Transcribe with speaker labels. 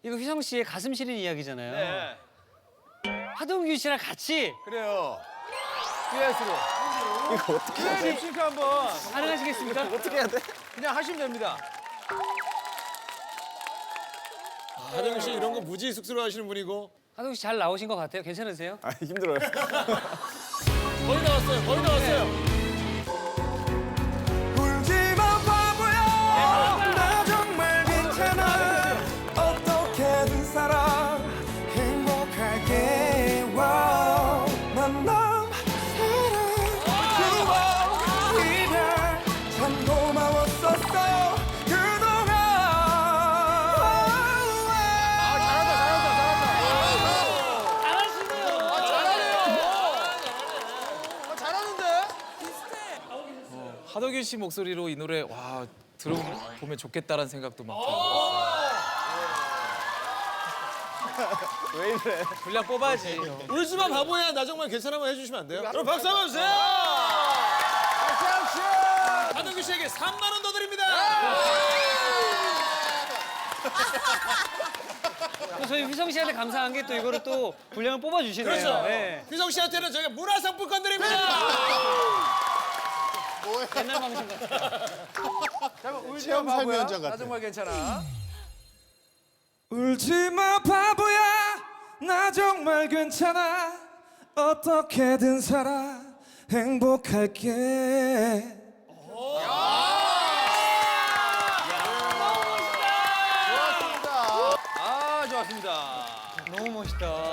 Speaker 1: 이거 휘성 씨의 가슴 시린 이야기잖아요.
Speaker 2: 네.
Speaker 1: 하동균 씨랑 같이
Speaker 2: 그래요. 듀엣으로.
Speaker 3: 이거 어떻게 해야
Speaker 2: 듀엣
Speaker 3: 돼?
Speaker 2: 립싱크 한번
Speaker 1: 가능하시겠습니까?
Speaker 3: 어떻게 해야 돼?
Speaker 2: 그냥 하시면 됩니다.
Speaker 4: 하정우 씨 이런 거 무지 쑥스러워하시는 분이고
Speaker 1: 하동균 씨 잘 나오신 것 같아요. 괜찮으세요?
Speaker 3: 아 힘들어요.
Speaker 4: 거의 나왔어요. 거의 나왔어요.
Speaker 5: 울지마 바보야 나 정말 괜찮아 어떻게든 살아 행복할게 와우 만남 사랑 추억 이별 참 고마웠었어 그동안
Speaker 2: 잘하는데?
Speaker 6: 하덕윤 씨 목소리로 이 노래 와 들어보면 좋겠다라는 생각도 막 들어요.
Speaker 3: 왜 이래?
Speaker 6: 분량 뽑아야지.
Speaker 4: 울지마 바보야 나 정말 괜찮아만 해주시면 안 돼요? 그럼 박수 한번 주세요. 하정우 씨에게 3만 원 더 드립니다.
Speaker 1: 또 저희 휘성 씨한테 감사한 게 또 이거를 또 분량을 뽑아주시네요.
Speaker 4: 그렇죠.
Speaker 1: 네.
Speaker 4: 휘성 씨한테는 저희가 문화상품권 드립니다.
Speaker 1: 옛날 방송 같아요.
Speaker 2: 잠깐 울지마
Speaker 3: 체험 삶의
Speaker 2: 바보야.
Speaker 3: 현장 같아.
Speaker 2: 나 정말 괜찮아.
Speaker 5: 울지마 바보야 나 정말 괜찮아 어떻게든 살아 행복할게
Speaker 2: 아 좋았습니다.
Speaker 1: 너무 멋있다.